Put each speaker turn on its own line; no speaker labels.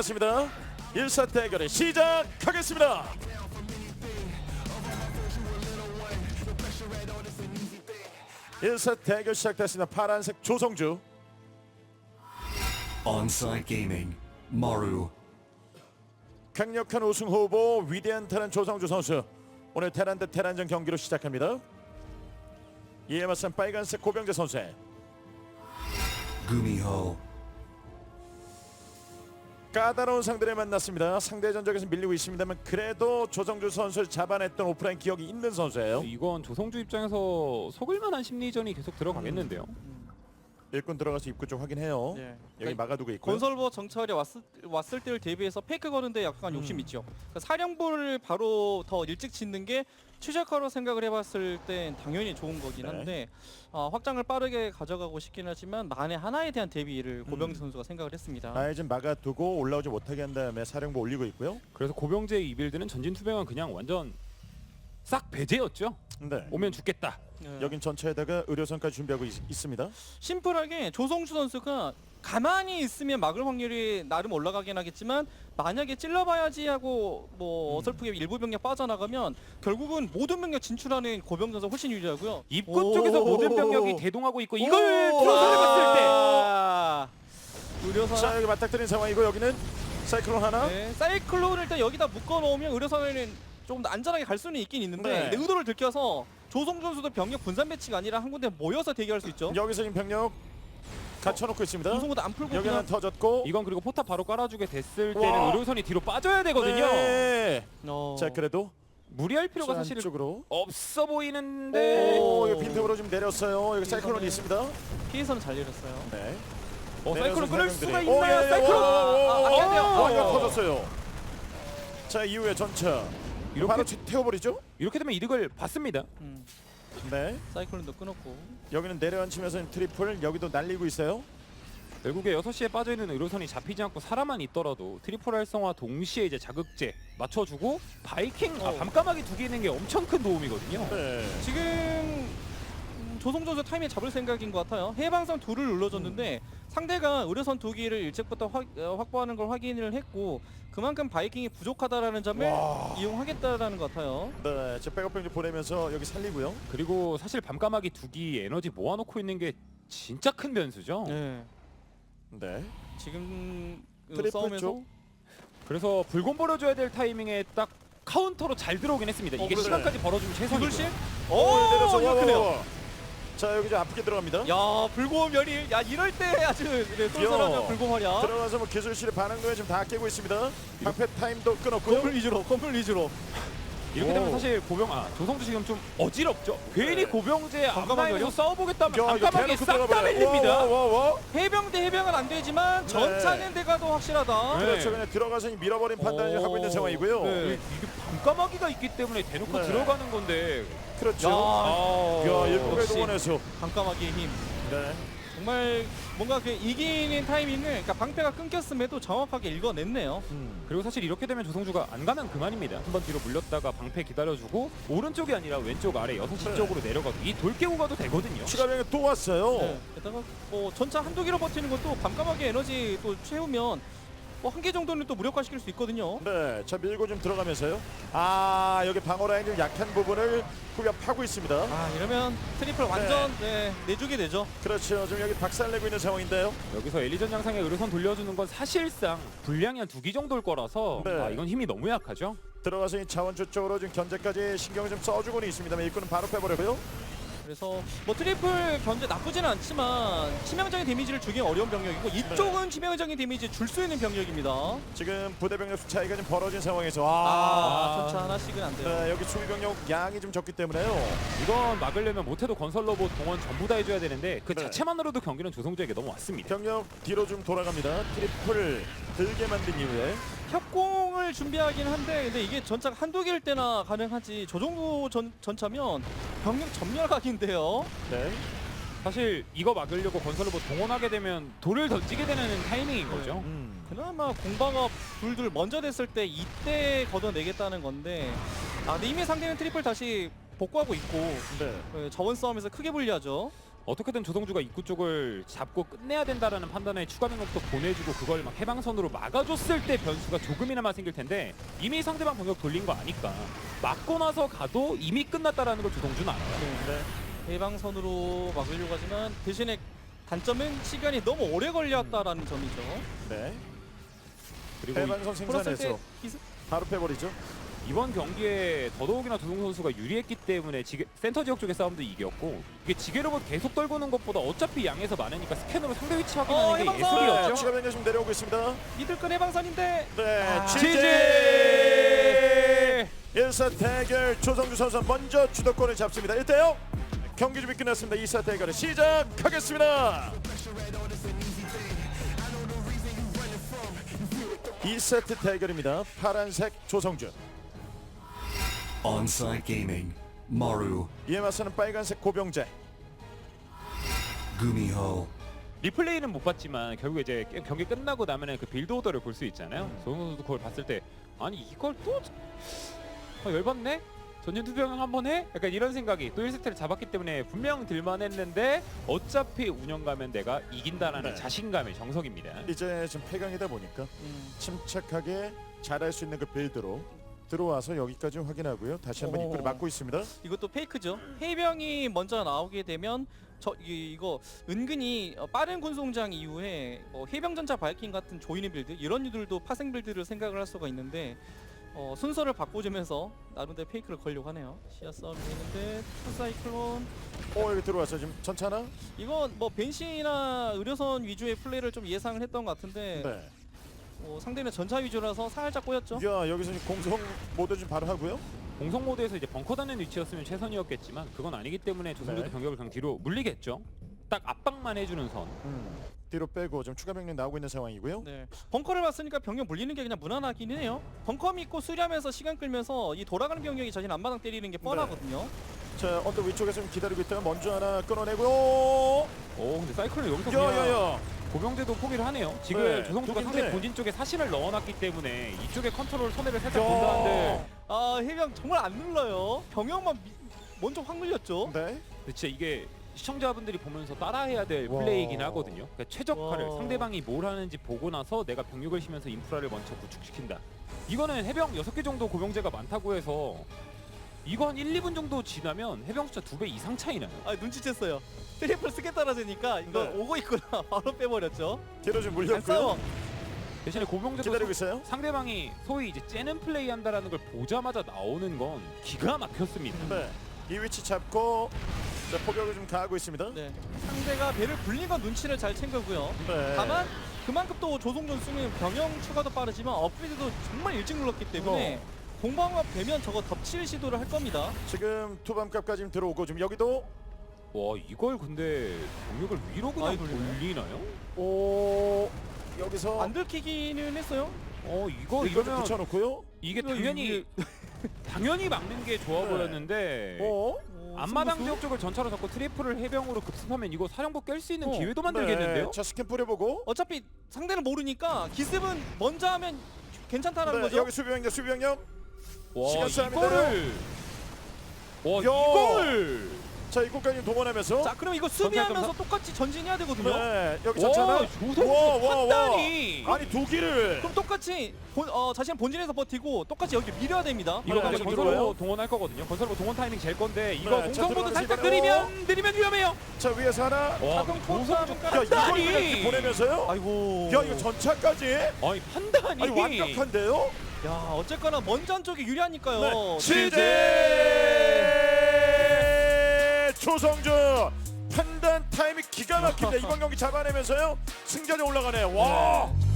좋습니다. 1사 대결을 시작하겠습니다. 1사 대결 시작됐습니다. 파란색 조성주,
On-site Gaming, Maru.
강력한 우승 후보 위대한 테란 조성주 선수. 오늘 테란 대 테란전 경기로 시작합니다. 이에 맞선 빨간색 고병재 선수의
Gumiho.
까다로운 상대를 만났습니다. 상대 전적에서 밀리고 있습니다만 그래도 조성주 선수를 잡아냈던 오프라인 기억이 있는 선수예요.
이건 조성주 입장에서 속을만한 심리전이 계속 들어가겠는데요.
일꾼 들어가서 입구 쪽 확인해요.
네.
여기 막아두고 있고요.
건설버 정찰에 왔을 때를 대비해서 페이크 거는데 약간 욕심 있죠. 그러니까 사령부를 바로 더 일찍 짓는 게 최적화로 생각을 해봤을 땐 당연히 좋은 거긴 한데 확장을 빠르게 가져가고 싶긴 하지만 만에 하나에 대한 대비를 고병재 선수가 생각을 했습니다.
아예 좀 막아두고 올라오지 못하게 한 다음에 사령부 올리고 있고요.
그래서 고병재의 이 빌드는 전진 투병은 그냥 완전 싹 배제였죠.
네.
오면 죽겠다.
네.
여긴 전차에다가 의료선까지 준비하고 있습니다.
심플하게 조성주 선수가 가만히 있으면 막을 확률이 나름 올라가긴 하겠지만 만약에 찔러봐야지 하고 뭐 어설프게 일부 병력 빠져나가면 결국은 모든 병력 진출하는 고병 선수 훨씬 유리하고요.
입구 쪽에서 모든 병력이 대동하고 있고 이걸 트로서를 봤을 때
의료선
자 여기 맞닥뜨린 상황이고 여기는 사이클론 하나.
네, 사이클론을 일단 여기다 묶어놓으면 의료선에는 조금 더 안전하게 갈 수는 있긴 있는데
네.
근데 의도를 들켜서 조성주 선수도 병력 분산 배치가 아니라 한 군데 모여서 대기할 수 있죠.
여기서 지금 병력 갖춰놓고 있습니다.
우승보다 안 풀고
여기 하나
그냥
터졌고.
이건 그리고 포탑 바로 깔아주게 됐을 때는
와.
의료선이 뒤로 빠져야 되거든요.
네.
어...
자 그래도
무리할 필요가 사실
쪽으로.
없어 보이는데.
오, 이거 빈틈으로 좀 내렸어요. 여기 사이클론이
이거는-
있습니다.
피해서는 잘 내렸어요.
네.
사이클론 끊을 수가
오,
있나요?
예, 예,
사이클론.
안 돼요.
이거 터졌어요. 자 이후에 전차.
이렇게-
바로 태워버리죠.
이렇게 되면 이득을 받습니다.
네.
사이클론도 끊었고
여기는 내려앉히면서 트리플 여기도 날리고 있어요.
결국에 6시에 빠져있는 의료선이 잡히지 않고 살아만 있더라도 트리플 활성화 동시에 이제 자극제 맞춰주고 바이킹 밤까마귀 두 개 있는 게 엄청 큰 도움이거든요.
네.
지금 조성주 선수 타이밍 잡을 생각인 것 같아요. 해방선 둘을 눌러줬는데 상대가 의료선 두 개를 일찍부터 확보하는 걸 확인을 했고 그만큼 바이킹이 부족하다라는 점을
와.
이용하겠다라는 것 같아요.
네. 제 백업 병력 보내면서 여기 살리고요.
그리고 사실 밤까마귀 두 기 에너지 모아놓고 있는 게 진짜 큰 변수죠.
네.
네.
지금
트리플
싸움에서
쪽.
그래서 불곰 벌어줘야 될 타이밍에 딱 카운터로 잘 들어오긴 했습니다. 이게
그래.
시간까지 벌어주면 최선이고요.
불실?
내려서
이거
와,
크네요.
와, 와. 자 여기 좀 아프게 들어갑니다.
야 불고음 열일. 야 이럴 때 아주 네, 쏠쏠하면 불고음 활약.
들어가서 뭐 기술실의 반응도에 지금 다 깨고 있습니다. 방패 타임도 끊었고요.
건물 위주로.
이렇게 되면
오.
사실 조성주 지금 좀 어지럽죠. 괜히 고병재 앞라인에서
잠깐만요.
싸워보겠다면
야, 이거
밤까마귀
대놓고
싹 다
들어가봐요.
밀립니다.
와.
해병 대 해병은 안 되지만 전차는 대가 더 확실하다.
네.
그렇죠. 그냥 들어가서 밀어버린 판단을
오.
하고 있는 상황이고요.
네.
이게 밤까마귀가 있기 때문에 대놓고
네.
들어가는 건데.
그렇죠.
야,
일국의
역시
동원해서.
밤까마귀의 힘.
네.
정말 뭔가 그 이기는 타이밍을 그러니까 방패가 끊겼음에도 정확하게 읽어냈네요.
그리고 사실 이렇게 되면 조성주가 안 가면 그만입니다. 한번 뒤로 물렸다가 방패 기다려주고 오른쪽이 아니라 왼쪽 아래 6시
네.
쪽으로 내려가도 이 돌 깨고 가도 되거든요.
추가병이 또 왔어요.
네. 게다가 뭐 전차 한두 개로 버티는 것도 밤까마귀 에너지 또 채우면 뭐 한 개 정도는 또 무력화시킬 수 있거든요.
네. 자 밀고 좀 들어가면서요. 아 여기 방어 라인 좀 약한 부분을 후벼 파고 있습니다.
아 이러면 트리플 완전 내주게 되죠.
그렇죠. 지금 여기 박살내고 있는 상황인데요.
여기서 엘리전 장상에 의료선 돌려주는 건 사실상 분량이 한 2기 정도일 거라서
네.
이건 힘이 너무 약하죠.
들어가서 이 자원주 쪽으로 지금 견제까지 신경을 좀 써주고는 있습니다만 일꾼은 바로 빼버리고요.
그래서 뭐 트리플 견제 나쁘지는 않지만 치명적인 데미지를 주기 어려운 병력이고 이쪽은 치명적인 데미지 줄 수 있는 병력입니다.
지금 부대 병력 수 차이가 좀 벌어진 상황에서
전차 하나씩은 안 돼요.
네, 여기 수비 병력 양이 좀 적기 때문에요.
이건 막으려면 못해도 건설 로봇 동원 전부 다 해줘야 되는데 그
네.
자체만으로도 경기는 조성주에게 너무 왔습니다.
병력 뒤로 좀 돌아갑니다. 트리플 들게 만든 이후에
협공을 준비하긴 한데 근데 이게 전차가 한두 개일 때나 가능하지 저 정도 전차면 병력 점멸각인데요.
네.
사실 이거 막으려고 건설 로봇 동원하게 되면 돌을 던지게 되는 타이밍인 거죠.
그나마 공방업 둘둘 먼저 됐을 때 이때 걷어내겠다는 건데 근데 이미 상대는 트리플 다시 복구하고 있고
네.
저원 싸움에서 크게 불리하죠.
어떻게든 조성주가 입구 쪽을 잡고 끝내야 된다라는 판단에 추가 병력도 보내주고 그걸 막 해방선으로 막아줬을 때 변수가 조금이나마 생길 텐데 이미 상대방 병력 돌린 거 아니까 막고 나서 가도 이미 끝났다라는 걸 조성주는 알아요.
네.
해방선으로 막으려고 하지만 대신에 단점은 시간이 너무 오래 걸렸다라는 점이죠.
네.
그리고
해방선
풀었을
생산해서
때 기습
바로 빼버리죠.
이번 경기에 더더욱이나 조성 선수가 유리했기 때문에 센터 지역 쪽의 싸움도 이겼고 이게 지게로봇 계속 떨구는 것보다 어차피 양에서 많으니까 스캔으로 상대 위치 확인하는 게
해방선!
네,
예술이었죠.
추가 변경 지금 내려오고 있습니다.
미들급 해방선인데
네,
지지!
1사 대결 조성주 선수 먼저 주도권을 잡습니다. 1대0 경기 준비 끝났습니다. 2사 대결을 시작하겠습니다. 2세트 대결입니다. 파란색 조성주,
On-site gaming. Maru.
이에 맞서는 빨간색 고병재.
Gumiho.
리플레이는 못 봤지만 결국 이제 경기 끝나고 나면은 그 빌드 오더를 볼 수 있잖아요. 조성 선수도 그걸 봤을 때 아니 이걸 또 열받네? 전진 투병 한번 해? 약간 이런 생각이 또 1세트를 잡았기 때문에 분명 들만 했는데 어차피 운영 가면 내가 이긴다라는
네.
자신감의 정석입니다.
이제 지금 패강이다 보니까 침착하게 잘할 수 있는 그 빌드로 들어와서 여기까지 확인하고요. 다시 한번 입구를 막고 있습니다.
이것도 페이크죠. 해병이 먼저 나오게 되면 이거 은근히 빠른 군송장 이후에 해병전차 바이킹 같은 조이는 빌드 이런 유들도 파생 빌드를 생각을 할 수가 있는데 순서를 바꿔주면서 나름대로 페이크를 걸려고 하네요. 시야 싸움이 있는데 투사이클론
여기 들어와서 지금 전차나?
이건 뭐 벤시나 의료선 위주의 플레이를 좀 예상을 했던 것 같은데
네.
상대는 전차 위주라서 살짝 꼬였죠.
야, 여기서 지금 공성 모드 좀 바로 하고요.
공성 모드에서 이제 벙커 닫는 위치였으면 최선이었겠지만 그건 아니기 때문에 조성주도
네.
병력을 그냥 뒤로 물리겠죠. 딱 압박만 해주는 선.
뒤로 빼고 좀 추가 병력 나오고 있는 상황이고요.
네. 벙커를 봤으니까 병력 물리는 게 그냥 무난하긴 해요. 벙커 믿고 수리하면서 시간 끌면서 이 돌아가는 병력이 자신 앞마당 때리는 게 뻔하거든요.
자, 언더 위쪽에서 좀 기다리고 있다가 먼저 하나 끊어내고요.
오 근데 사이클은 여기서 그냥
야야야.
고병재도 포기를 하네요. 지금
네,
조성주가
독인데.
상대 본진 쪽에 사신을 넣어놨기 때문에 이쪽에 컨트롤 손해를 살짝 본다는데
해병 정말 안 눌러요. 병력만 먼저 확 눌렸죠.
네.
근데 진짜 이게 시청자분들이 보면서 따라해야 될
와.
플레이이긴 하거든요. 그러니까 최적화를
와.
상대방이 뭘 하는지 보고 나서 내가 병력을 쉬면서 인프라를 먼저 구축시킨다. 이거는 해병 6개 정도 고병재가 많다고 해서 이거 한 1, 2분 정도 지나면 해병 숫자 2배 이상 차이 나요.
눈치챘어요. 트리플 쓰겠다라 되니까 이거
네.
오고 있구나. 바로 빼버렸죠.
뒤로 좀
안 싸워.
물렸고요.
대신에 고병재도
기다리고 있어요.
상대방이 소위 이제 째는 플레이 한다라는 걸 보자마자 나오는 건 기가 막혔습니다.
네. 이 위치 잡고 자, 포격을 좀 가하고 있습니다.
네. 상대가 배를 불린 건 눈치를 잘 챙겼고요.
네.
다만 그만큼 또 조성준 쓰면 병영 추가도 빠르지만 업그레이드도 정말 일찍 눌렀기 때문에 공방업 되면 저거 덮칠 시도를 할 겁니다.
지금 투밤값까지 지금 들어오고 지금 여기도
와 이걸 근데 병력을 위로 그냥
아이, 돌리네.
돌리나요?
오 여기서
안 들키기는 했어요.
이거
이거 좀
이러면
붙여놓고요.
이게
이거
당연히 당연히 막는 게 좋아
네.
보였는데 앞마당 지역 쪽을 전차로 잡고 트리플을 해병으로 급습하면 이거 사령부 깰 수 있는 기회도 만들겠는데요?
네. 자, 스캔 뿌려보고.
어차피 상대는 모르니까 기습은 먼저 하면 괜찮다라는
네,
거죠.
여기 수비병력 수비병력.
와
시간 싸움인데요?
이거를 와
야.
이걸
자, 입구까지 동원하면서.
자, 그럼 이거 수비하면서
전탈
똑같이 전진해야 되거든요.
네, 여기
와
전차나.
조성주
와.
판단이
아니 두 기를.
그럼 똑같이 자신 본진에서 버티고 똑같이 여기 밀어야 됩니다.
이거
네,
근데
지금
건설로
들어와요?
동원할 거거든요. 건설로 동원 타이밍 잴 건데 이거
네, 자,
공성보드
들어가면서
살짝
이번에
느리면 위험해요.
자, 위에서 하나.
와
자동
조성주
야, 이걸
판단이
그냥 이렇게 보내면서요?
아이고.
야, 이거 전차까지?
아니 판단이
아니 완벽한데요?
야, 어쨌거나 먼저 한쪽이 유리하니까요.
네. 시제 조성주 판단 타이밍 기가 막힙니다. 이번 경기 잡아내면서요 승자전 올라가네요. 와.